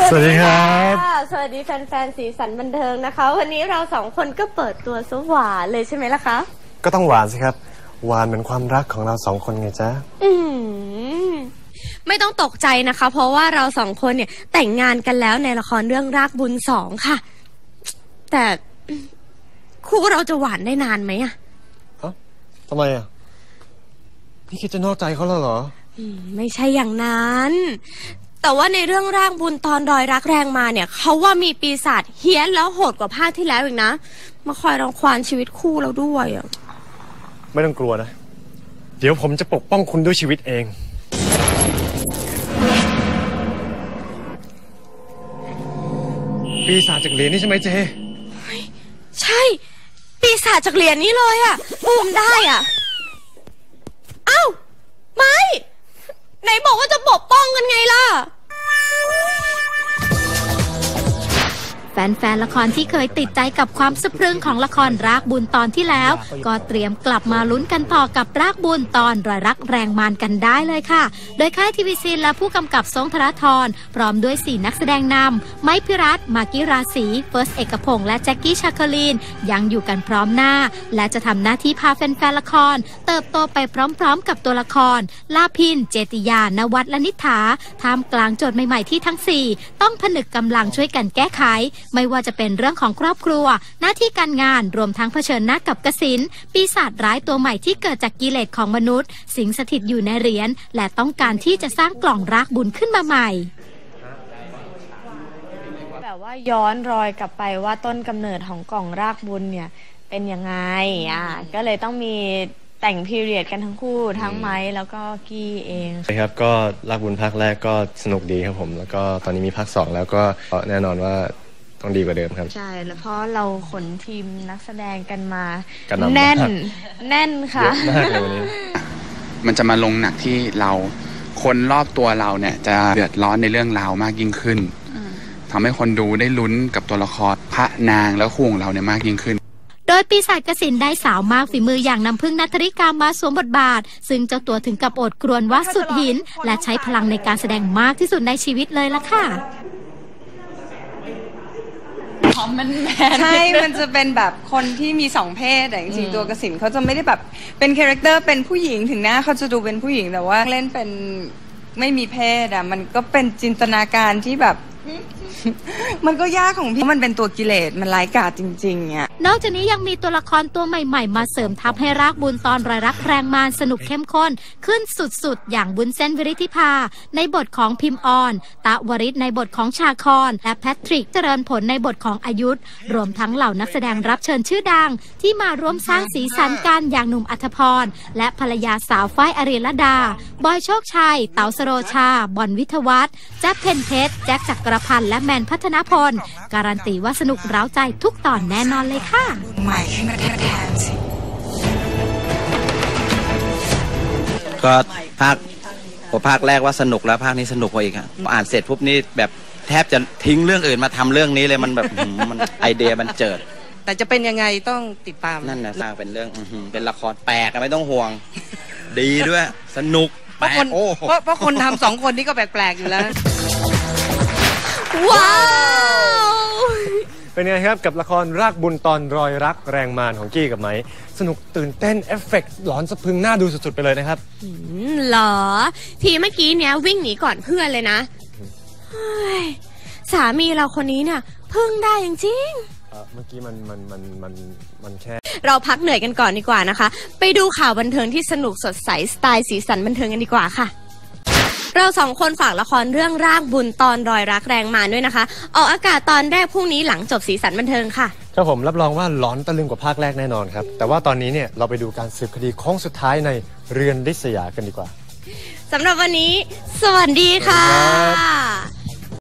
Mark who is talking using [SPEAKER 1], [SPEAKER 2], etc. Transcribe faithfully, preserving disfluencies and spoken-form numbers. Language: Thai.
[SPEAKER 1] สวัสดีครับ
[SPEAKER 2] สวัสดีแฟนๆสีสันบันเทิงนะคะวันนี้เราสองคนก็เปิดตัวซะหวานเลยใช่ไหมล่ะคะ
[SPEAKER 1] ก็ต้องหวานสิครับหวานเหมือนความรักของเราสองคนไงจ๊ะ
[SPEAKER 2] อืมไม่ต้องตกใจนะคะเพราะว่าเราสองคนเนี่ยแต่งงานกันแล้วในละครเรื่องรากบุญสองค่ะแต่คู่เราจะหวานได้นานไหมอะ
[SPEAKER 1] เอ้าทำไมอะพี่คิดจะนอกใจเขาแล้วเหรอ
[SPEAKER 2] ไม่ใช่อย่างนั้นแต่ว่าในเรื่องร่างบุญตอนรอยรักแรงมาเนี่ยเขาว่ามีปีศาจเฮี้ยนแล้วโหดกว่าภาคที่แล้วอีกนะมาคอยรังควานชีวิตคู่เราด้วยอ่ะ
[SPEAKER 1] ไม่ต้องกลัวนะเดี๋ยวผมจะปกป้องคุณด้วยชีวิตเองปีศาจจากเหรียญนี่ใช่ไหมเจ
[SPEAKER 2] ใช่ปีศาจจากเหรียญนี้เลยอ่ะอุ้มได้อ่ะเอ้าไม่ไหนบอกว่าจะปกป้องกันไงล่ะ
[SPEAKER 3] แฟนๆละครที่เคยติดใจกับความสะพรึงของละครรากบุญตอนที่แล้วก็เตรียมกลับมาลุ้นกันต่อกับรากบุญตอนรอยรักแรงมานกันได้เลยค่ะโดยค่ายทีวีซีและผู้กำกับทรงธราธรพร้อมด้วยสี่นักแสดงนำไม้พิรัตน์มากกี้ราศีเฟิร์สเอกพงษ์และแจ็คกี้ชาคลีนยังอยู่กันพร้อมหน้าและจะทำหน้าที่พาแฟนๆละครเติบโตไปพร้อมๆกับตัวละครลาพินเจติยานวัฒน์และนิฐาท่ามกลางโจทย์ใหม่ๆที่ทั้งสี่ต้องผนึกกำลังช่วยกันแก้ไขไม่ว่าจะเป็นเรื่องของครอบครัวหน้าที่การงานรวมทั้งเผชิญหน้ากับกสิณปีศาจร้ายตัวใหม่ที่เกิดจากกิเลสของมนุษย์สิงสถิตอยู่ในเหรียญและต้องการที่จะสร้างกล่องรากบุญขึ้นมาใหม่
[SPEAKER 2] แบบว่าย้อนรอยกลับไปว่าต้นกำเนิดของกล่องรากบุญเนี่ยเป็นยังไงอ่ะก็เลยต้องมีแต่งพีเรียดกันทั้งคู่ทั้งไม้แล้วก็กี้เอง
[SPEAKER 1] ใช่ครับก็รากบุญภาคแรกก็สนุกดีครับผมแล้วก็ตอนนี้มีภาคสองแล้วก็แน่นอนว่าต้องดีกว่าเดิมครับ
[SPEAKER 2] ใช่แล้วเพราะเราขนทีมนักแสดงกันมาแน่นแน่นค่ะ
[SPEAKER 1] เยอะมากเลยวันนี้
[SPEAKER 4] มันจะมาลงหนักที่เราคนรอบตัวเราเนี่ยจะเดือดร้อนในเรื่องราวมากยิ่งขึ้นทำให้คนดูได้ลุ้นกับตัวละครพระนางแล้วคู่ของเราเนี่ยมากยิ่งขึ้น
[SPEAKER 3] โดยปีศาจกสิณได้สาวมากฝีมืออย่างน้ำพึ่งณัฐริกามาสวมบทบาทซึ่งเจ้าตัวถึงกับอดกรวนว่าสุดหินและใช้พลังในการแสดงมากที่สุดในชีวิตเลยล่ะค่ะ
[SPEAKER 5] มันใช่ มันจะเป็นแบบคนที่มีสองเพศแต่จริงๆตัวกสิณเขาจะไม่ได้แบบเป็นคาแรคเตอร์เป็นผู้หญิงถึงหน้าเขาจะดูเป็นผู้หญิงแต่ว่าเล่นเป็นไม่มีเพศอ่ะมันก็เป็นจินตนาการที่แบบมันก็ยากของพี่มันเป็นตัวกิเลสมันร้ายกาจจริงๆเนี่ย
[SPEAKER 3] นอกจากนี้ยังมีตัวละครตัวใหม่ๆมาเสริมทัพให้รากบุญตอนรอยรักแรงมานสนุกเข้มข้นขึ้นสุดๆอย่างบุญเส้นวิริธิภาในบทของพิมพ์ออนตะวริศในบทของชาคอนและแพทริกเจริญผลในบทของอายุธรวมทั้งเหล่านักแสดงรับเชิญชื่อดังที่มาร่วมสร้างสีสันกันอย่างหนุ่มอัธพรและภรรยาสาวฝ้ายอริลดาบอยโชคชัยเต๋าสโรชาบอนวิทวัฒน์แจ๊คเพนเพชรแจ็คจักรพันธ์และแมนพัฒนพลการันตีว่าสนุกเร้าใจทุกตอนแน่นอนเลยค่ะ
[SPEAKER 6] ก็ภาคภาคแรกว่าสนุกแล้วภาคนี้สนุกกว่าอีกอ่ะอ่านเสร็จปุ๊บนี่แบบแทบจะทิ้งเรื่องอื่นมาทำเรื่องนี้เลยมันแบบมันไอเดียมันเจิด
[SPEAKER 5] แต่จะเป็นยังไงต้องติดตาม
[SPEAKER 6] นั่นนะสร้างเป็นเรื่องเป็นละครแปลกไม่ต้องห่วงดีด้วยสนุก
[SPEAKER 5] เพราะคนเพราะคนทำสองคนนี้ก็แปลกๆอยู่แล้ว
[SPEAKER 2] ว้าว
[SPEAKER 1] เป็นไงครับกับละครรากบุญตอนรอยรักแรงมานของกี้กับไม้สนุกตื่นเต้นเอฟเฟกต์หลอนสะพรึงน่าดูสุดๆไปเลยนะครับ
[SPEAKER 2] หรอทีเมื่อกี้เนี้ยวิ่งหนีก่อนเพื่อนเลยนะสามีเราคนนี้เนี่ยพึ่งได้จริง
[SPEAKER 1] ๆเมื่อกี้มันมันมันมันมันแค่
[SPEAKER 2] เราพักเหนื่อยกันก่อนดีกว่านะคะไปดูข่าวบันเทิงที่สนุกสดใสสไตล์สีสันบันเทิงกันดีกว่าค่ะเราสองคนฝากละครเรื่องรากบุญตอนรอยรักแรงมานด้วยนะคะออกอากาศตอนแรกพรุ่งนี้หลังจบสีสันบันเทิงค่ะ
[SPEAKER 1] ครับผมรับรองว่าหลอนตะลึงกว่าภาคแรกแน่นอนครับแต่ว่าตอนนี้เนี่ยเราไปดูการสืบคดีโค้งสุดท้ายในเรือนริษยากันดีกว่า
[SPEAKER 2] สำหรับวันนี้สวัสดีค่ะ